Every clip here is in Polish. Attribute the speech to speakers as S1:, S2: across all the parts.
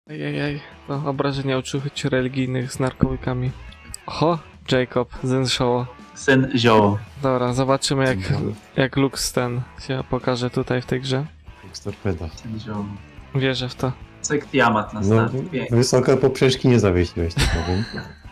S1: Ejejej, to obrażenia uczuć religijnych z narkotykami. Oho, Jacob, Zenshaw.
S2: Syn zioło.
S1: Dobra, zobaczymy jak Lux ten się pokaże tutaj w tej grze.
S3: Torpeda.
S2: Syn zioło.
S1: Wierzę w to.
S2: Cyk Tiamat na
S3: No,
S2: start. Pięknie.
S3: wysoka poprzeczki nie zawiesiłeś, tak powiem.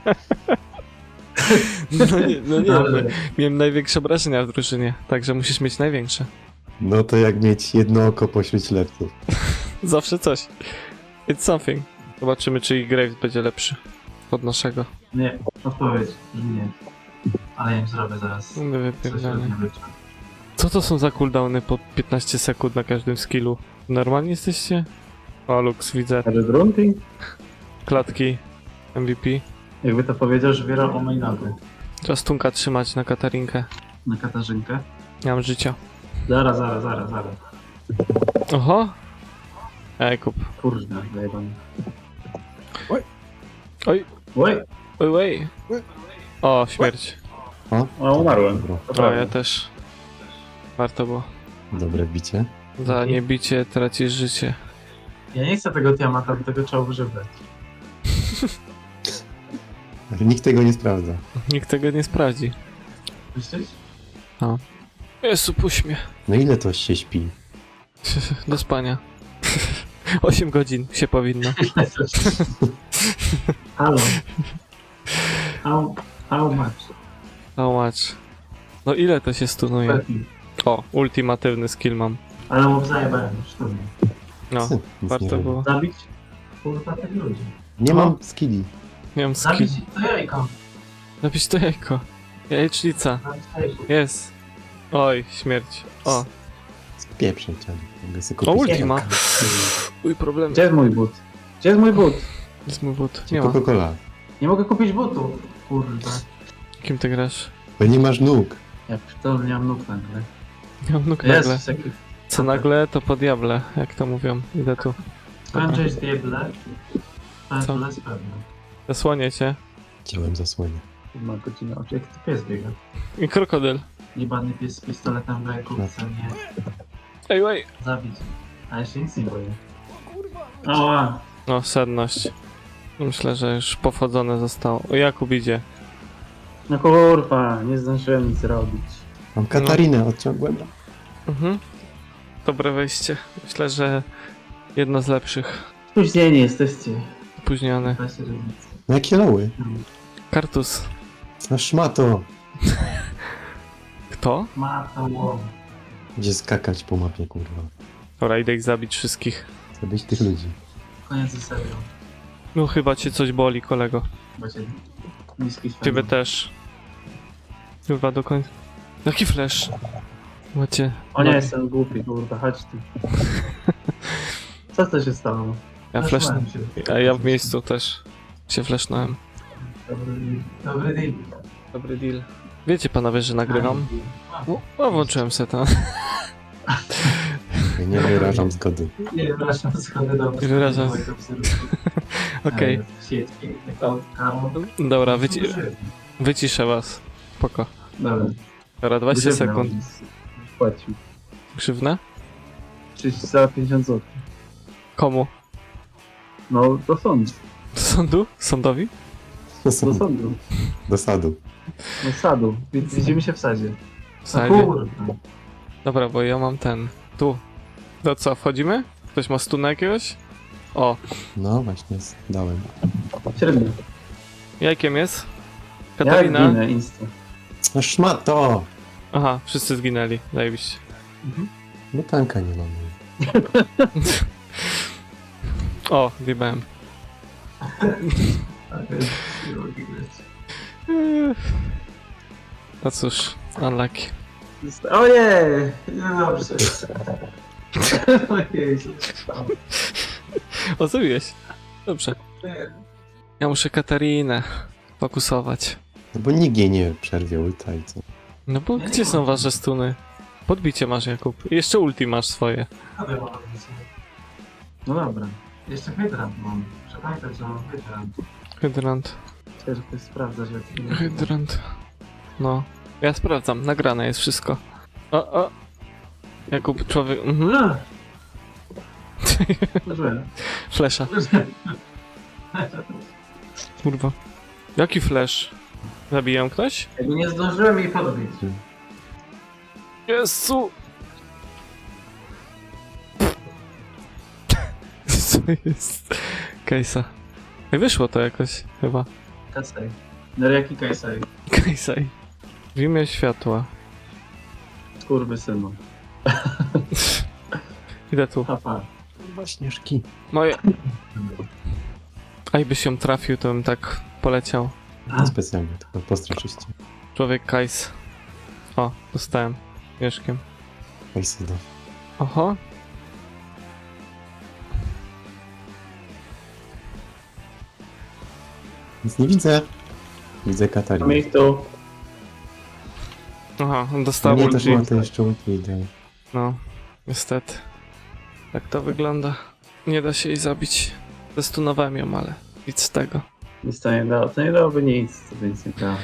S1: No nie,
S2: Ale
S1: miałem największe obrażenia w drużynie, także musisz mieć największe.
S3: No to jak mieć jedno oko pośród ślepców.
S1: Zawsze coś. It's something. Zobaczymy, czy ich Graves będzie lepszy od naszego.
S2: nie, odpowiedź, że nie. Ale ja im zrobię zaraz. Coś
S1: Wypierdolenie.
S2: nie wyczuł.
S1: Co to są za cooldowny po 15 sekund na każdym skillu? Normalni jesteście? O, Lux, widzę.
S2: Redrunty?
S1: Klatki. MVP.
S2: Jakby to powiedział, że wierał o mojej nogy.
S1: Trzeba stunka trzymać na Katarinkę.
S2: Na Katarzynkę.
S1: Nie mam życia.
S2: Zaraz.
S1: Oho! Ej, kup.
S2: Kurde, zajebany.
S1: Oj,
S2: Oj,
S1: oj. O, śmierć.
S2: o, umarłem.
S3: Dobra.
S1: O, ja też. Warto było.
S3: Dobre bicie.
S1: Za niebicie tracisz życie.
S2: Ja nie chcę tego Tiamata, bo tego trzeba używać.
S3: Ale nikt tego nie sprawdza.
S1: Nikt tego nie sprawdzi.
S2: Myślisz?
S1: Jezu, puść mnie.
S3: No ile to się śpi?
S1: Do spania. 8 godzin się powinno.
S2: Halo. How much?
S1: How much? No ile to się stunuje? O, ultimatywny skill mam.
S2: Ale mu zajebałem już to.
S1: No,
S3: Nic nie
S1: warto
S3: robię.
S1: było.
S2: Zabić? Kurwa tych ludzi.
S3: Nie mam skilli.
S1: Miałem skill.
S2: Zabić to jajko.
S1: Napisz to jajko. Jajecznica.
S2: Zabić to jajko.
S1: Jest. Oj, śmierć. O,
S3: Spieprzę cię. Mogę sobie
S1: o
S3: kupić
S1: ultima.
S3: jajka.
S1: Uj, problem.
S2: Gdzie jest mój but? Gdzie jest mój but?
S1: Jest mój but. Nie ma.
S3: Coca-Cola.
S2: Nie mogę kupić butów. Kurwa.
S1: Kim ty grasz?
S3: Bo nie masz nóg.
S2: Ja to nie mam nóg nagle.
S1: Nie mam nóg nagle.
S2: Jest taki...
S1: Co nagle, to po diable, jak to mówią. Idę tu.
S2: Skończyć diable.
S1: Co?
S2: To jest pewne.
S1: Zasłonię cię.
S3: Chciałem zasłonię.
S2: Ma godzinę oczu. Jak to pies biega?
S1: I krokodyl.
S2: Jebany pies z pistoletem w ręku chce mnie
S1: Ej.
S2: zabić. A ja się nic nie boję. Ała.
S1: No, sedność. Myślę, że już powodzone zostało. O, Jakub idzie.
S2: No kurwa, nie zdążyłem nic zrobić.
S3: Mam Katarinę, odciągłem.
S1: Mhm. Dobre wejście. Myślę, że jedno z lepszych.
S2: Spóźnieni jesteście.
S1: Opóźnione.
S2: Weźcie różnicę.
S3: No jakie loły?
S1: Kartus.
S3: No szmato.
S1: Kto?
S2: Ma to łom.
S3: Gdzie skakać po mapie, kurwa.
S1: Dobra, idę ich zabić wszystkich.
S3: Zabić tych ludzi.
S2: Koniec ze serią.
S1: No chyba cię coś boli, kolego.
S2: Macie niski świat.
S1: Ciebie też. Chyba do końca. Jaki flash? Macie.
S2: O nie, jestem głupi, kurwa, chodź tu. Co to się stało?
S1: Ja flash.
S2: Zasłałem się.
S1: A ja w miejscu też się flashnąłem.
S2: Dobry deal.
S1: Dobry deal. Wiecie panowie, że nagrywam? O, włączyłem seta.
S3: Ja nie wyrażam zgody.
S2: Nie wyrażam schody do
S1: Nie wyrażam. Okej. Dobra, wyciszę was. Spoko.
S2: Dobra.
S1: Dobra, 20 sekund.
S2: Płacił.
S1: Grzywna?
S2: Czyli za 50 zł.
S1: Komu?
S2: No, do sądu.
S1: Do sądu? Sądowi?
S2: Do sądu.
S3: Do sadu.
S2: Do sadu. Widzimy się w sadzie.
S1: W
S2: No
S1: sadzie?
S2: kurwa.
S1: Dobra, bo ja mam ten. Tu. To co, wchodzimy? Ktoś ma stuna jakiegoś? O,
S3: No właśnie, dałem.
S2: Średnio.
S1: jajkiem jest?
S2: Ja
S1: Katarina?
S2: ginę, insta.
S3: No szmato!
S1: Aha, wszyscy zginęli. Zajebiście.
S3: No tanka nie mam.
S1: O, wjebałem. No cóż, unlucky.
S2: Ojej! No dobrze. Ojej, co się stało?
S1: O, zrobiłeś. Dobrze. Ja muszę Katarinę fokusować.
S3: No bo nikt jej nie przerwie ulta i co?
S1: No bo
S2: Ja
S1: gdzie
S2: nie
S1: są
S2: mam.
S1: wasze stuny? Podbicie masz, Jakub. I jeszcze ulti masz swoje.
S2: No dobra. Jeszcze hydrant mam. Przepamiętaj, że mam hydrant.
S1: Hydrant.
S2: Chcę, że sprawdzać, jak...
S1: Hydrant. No. Ja sprawdzam. Nagrane jest wszystko. O, o. Jakub, człowiek... Mhm.
S2: Złe.
S1: Flesza. Kurwa. Jaki flash? Zabijam ktoś?
S2: Jakby nie zdążyłem jej podbić.
S1: Jezu! Co jest? Kejsa. Ej, wyszło to jakoś, chyba.
S2: Kasej. No jaki Kasej?
S1: Kejsaj. W imię światła.
S2: Skurwysynu.
S1: Idę tu.
S2: Papa.
S3: Kurwa, śnieżki.
S1: Moje. A jakbyś się trafił, to bym tak poleciał.
S3: Nie specjalnie, tylko postraszyście.
S1: Człowiek Kajs. O, dostałem. Mieszkiem.
S3: Kajsydo.
S1: Oho.
S3: Nic nie widzę. Widzę
S2: Mamy
S3: Katarinę.
S2: ich tu.
S1: Aha, on dostał
S3: Nie, też
S1: ulti.
S3: ma to jeszcze ulti idę.
S1: No, niestety. Tak to wygląda. Nie da się jej zabić. Zestunowałem ją, ale nic z tego.
S2: Nic to nie dało. To nie dałoby nic. To by nic nie dało.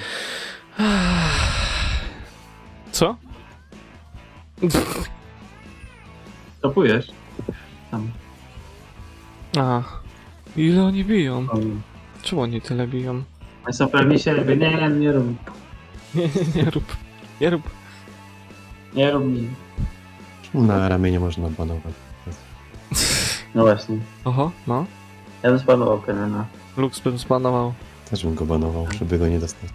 S1: Co?
S2: Topujesz? Tam.
S1: A, ile oni biją?
S2: O,
S1: Czemu oni tyle biją?
S2: oni są pewni siebie. Nie rób.
S1: Nie rób. Nie rób.
S2: Nie rób mi.
S3: Czemu na ramieniu można banować?
S2: No właśnie.
S1: Oho, no.
S2: Ja bym spanował Kenena.
S1: Lux bym zbanował.
S3: Też bym go banował, żeby go nie dostać.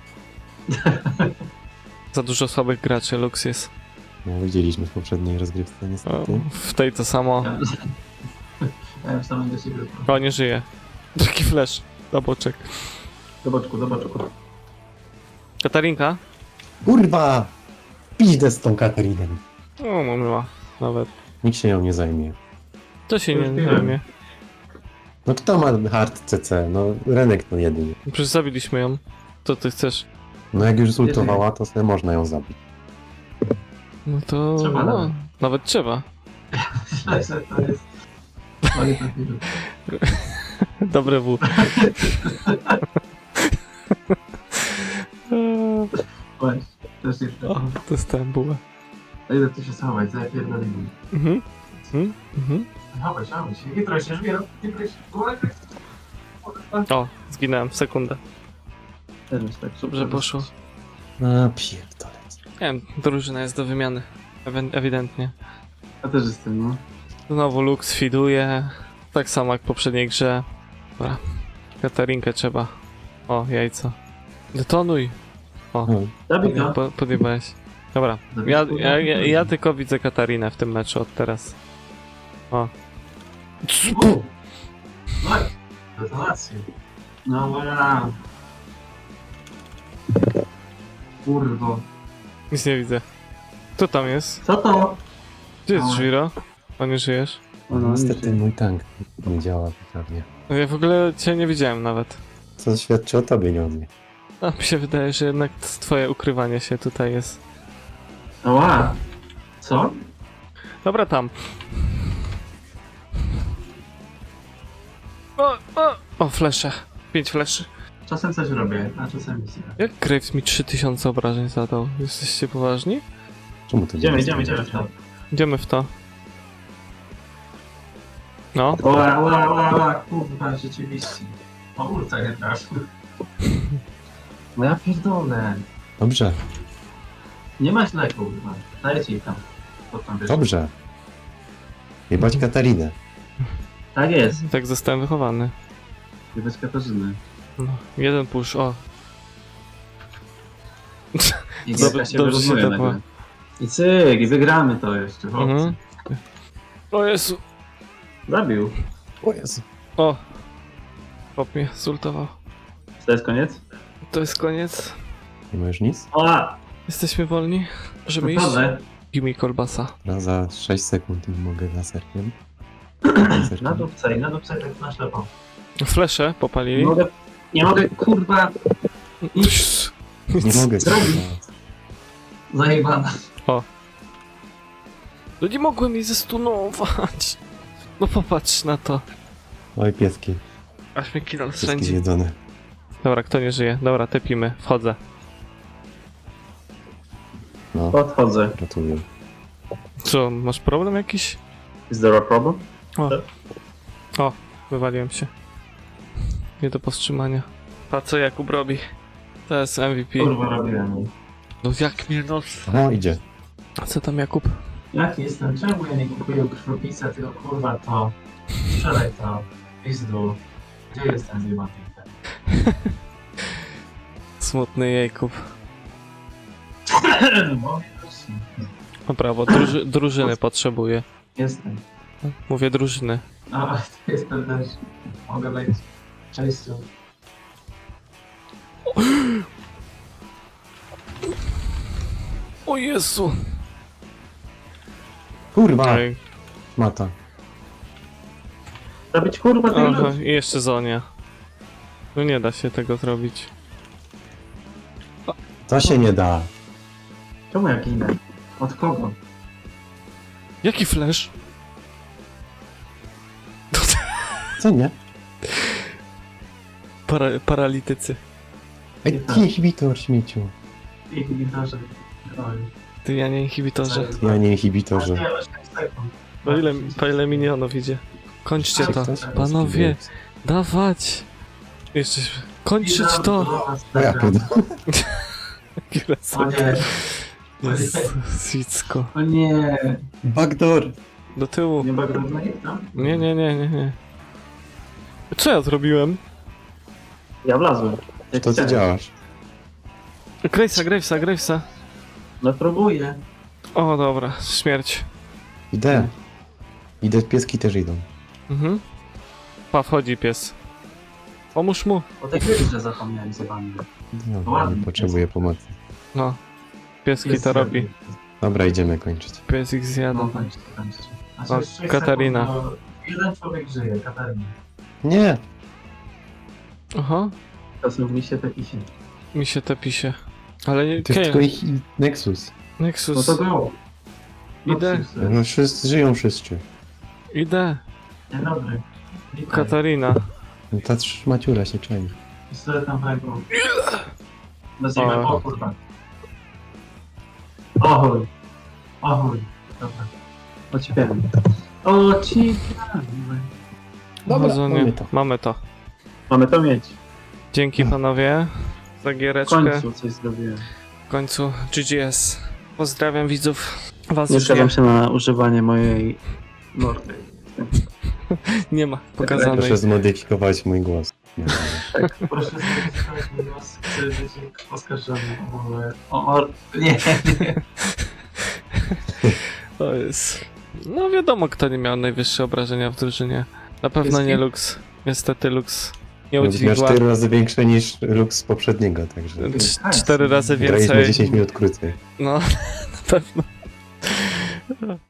S1: Za dużo słabych graczy Lux jest.
S3: No, widzieliśmy w poprzedniej rozgrywce
S1: O,
S3: niestety.
S1: w tej to samo.
S2: Ja już tam do siebie.
S1: O, nie żyje. Taki flash. Na boczek.
S2: Do boczku, do boczku.
S1: Katarinka?
S3: Kurwa! Pizdę z tą Katariną.
S1: O, mamyła. Nawet.
S3: Nikt się nią nie zajmie.
S1: To się
S2: Już
S1: nie
S2: piłem.
S1: zajmie.
S3: No kto ma hard CC? No Renek to jedynie.
S1: Przecież zabiliśmy ją. Co ty chcesz?
S3: No jak już zultowała, to sobie można ją zabić.
S1: No to...
S2: Trzeba
S1: no,
S2: nawet.
S1: nawet trzeba.
S2: To jest... Ale to nie
S1: Dobre W.
S2: Właśnie. Też jest
S1: O, dostałem bułę.
S2: A ile tu się schować? Zapierdolimy.
S1: Mhm. Mhm.
S2: Chowaj się. Nie troj się, żwiero. Nie troj się.
S1: O, zginąłem w sekundę.
S2: Teraz tak.
S1: Dobrze poszło.
S3: A pierdolę.
S1: Nie wiem, drużyna jest do wymiany. Ewidentnie.
S2: Ja też jestem, no.
S1: Znowu Lux fiduje. Tak samo jak w poprzedniej grze. Dobra. Katarinkę trzeba. O, jajco. Detonuj. O,
S3: No,
S2: Zabij to.
S1: podjebałeś. Dobra. Ja tylko widzę Katarinę w tym meczu od teraz. O.
S2: No i detonacje. No wow. Kurwo.
S1: Nic nie widzę. Kto tam jest?
S2: Co to?
S1: Gdzie jest
S2: Oj.
S1: Żwiro? O, nie żyjesz?
S2: O, no,
S3: niestety mój tank nie działa poprawnie.
S1: No ja w ogóle cię nie widziałem nawet.
S3: Co świadczy o tobie, nie o mnie.
S1: A mi się wydaje, że jednak twoje ukrywanie się tutaj jest.
S2: Ała. Co?
S1: Dobra, tam. O, flesze. 5 fleszy.
S2: Czasem coś robię, a czasem nic nie.
S1: Jak Graves mi 3000 obrażeń zadał? Jesteście poważni?
S3: Czemu to
S2: Idziemy
S3: nie
S2: w
S3: jest?
S2: to.
S1: Idziemy w to. No.
S2: Ła, kurwa, rzeczywiście. O, ulta nie trafił. No ja pierdolę.
S3: Dobrze,
S2: Nie ma źle, kurwa. Dajcie ich tam. Co tam wiesz?
S3: dobrze. Jebać Katarinę.
S2: Tak jest.
S1: Tak zostałem wychowany.
S2: Nie bez Katarzyny.
S1: No. Jeden push, o.
S2: I
S1: Dobrze-
S2: Gierka się
S1: dobrze się
S2: wyrównuje
S1: tepła.
S2: nagle. I cyk, i wygramy to jeszcze, chłopcy.
S1: Mhm. O Jezu.
S2: Zabił.
S3: O Jezu.
S1: O. Chłop mnie zultował.
S2: To jest koniec?
S1: To jest koniec.
S3: Nie ma już nic?
S2: O!
S1: Jesteśmy wolni. Możemy iść.
S2: Naprawdę.
S1: Give mi kolbasa.
S3: No, za 6 sekund nie mogę laserkiem.
S2: Na dupce, tak na ślepo.
S1: Flesze popalili.
S2: Nie mogę, kurwa,
S3: Nie mogę
S2: Zrobił.
S3: zrobić.
S2: zajebana.
S1: No nie mogłem jej zestunować. No popatrz na to.
S3: Oj, pieski.
S1: Aż mnie kill
S3: Wszystkie
S1: sędzi.
S3: zjedzone.
S1: Dobra, kto nie żyje? Dobra, tepimy. Wchodzę.
S3: No,
S2: Podchodzę.
S3: gratuluję.
S1: Co, masz problem jakiś?
S2: Is there a problem?
S1: wywaliłem się. Nie do powstrzymania. Patrz co Jakub robi. To jest MVP.
S2: Kurwa robiłem.
S1: No jak mnie no...
S3: O, idzie.
S1: A co tam Jakub?
S2: Jaki jestem? Czemu ja nie kupuję krwiopisa, tylko kurwa to... Sprzedaj to. Pizdu. Gdzie jest ten zjebany?
S1: Smutny Jakub.
S2: No,
S1: No brawo, drużyny potrzebuje.
S2: jestem.
S1: Mówię drużyny.
S2: A, to jestem też. Mogę lecieć. Cześć.
S1: O Jezu!
S3: Kurwa,
S1: Ej,
S3: mata.
S2: Zabić kurwa ten
S1: aha,
S2: lud.
S1: i jeszcze Zonia. No nie da się tego zrobić.
S3: To się nie da.
S2: Czemu ja ginę? Od kogo?
S1: Jaki flash?
S3: Co nie?
S1: Paralitycy.
S3: Ej, inhibitor śmieciu.
S2: Ich gitarze. Oj.
S1: Ty, ja nie inhibitorze.
S3: Ja nie inhibitorze.
S2: Nie, 8 sekund.
S1: Po ile minionów idzie? Kończcie to.
S3: Ktoś
S1: Panowie, dawać! Jeszcze... Kończyć to!
S3: No ja pierdolę.
S1: Ile
S2: O nie,
S1: jest Zwicko.
S2: o nie.
S3: Backdoor.
S1: Do tyłu.
S2: Nie bagrudny? No?
S1: Nie. Co ja zrobiłem?
S2: Ja wlazłem. Jak
S3: To ty
S2: chciałem.
S3: działasz.
S1: Gravesa.
S2: No próbuję.
S1: O, dobra, śmierć.
S3: Idę. Idę, pieski też idą.
S1: Mhm. Pa, wchodzi pies. Pomóż mu.
S2: O tej grze zapomniałem z wami.
S3: No,
S2: Ładnie.
S3: nie potrzebuję pomocy.
S1: No. Pieski to robi.
S3: Dobra, idziemy kończyć.
S1: Pies ich zjada.
S2: No, kończcie.
S1: O, Katarina.
S2: Jeden człowiek żyje, Katarina.
S3: Nie!
S1: Aha.
S2: Czasem mi się taki się.
S1: Mi się tepi się. Ale nie...
S3: To jest tylko
S1: Kane.
S3: ich Nexus.
S2: No
S1: Nexus.
S2: to go.
S1: Idę.
S3: No wszyscy żyją wszyscy.
S1: Idę.
S2: Dzień dobry. Witaj.
S1: Katarina.
S3: No ta maciura się czai.
S2: Pistolet tam w ręku. Nazwijmy,
S1: O.
S2: o kurwa. Ohoj. Ohoj. Dobra. Ociepiamy. Ociepiamy.
S3: Dobra,
S1: Zonie.
S3: mamy to.
S1: Mamy to.
S2: Mamy to mieć.
S1: Dzięki panowie za
S2: W
S1: giereczkę.
S2: końcu coś zrobiłem.
S1: W końcu GGS. Pozdrawiam widzów. Was
S2: Nie
S1: już
S2: zgadzam się na używanie mojej mordy.
S1: nie ma pokazanej.
S3: Proszę zmodyfikować mój głos. Nie,
S2: Tak, proszę zobaczyć mój głos. Chcę być oskarżony o... Nie.
S1: To jest... No wiadomo kto nie miał najwyższe obrażenia w drużynie. Na pewno
S2: Jest
S1: nie
S2: kim?
S1: Lux. Niestety Lux nie
S3: Miał
S1: udźwigła.
S3: 4 razy większe niż Lux z poprzedniego, także
S1: 4 razy
S3: graliśmy
S1: więcej.
S3: 10 minut krócej.
S1: No, na pewno.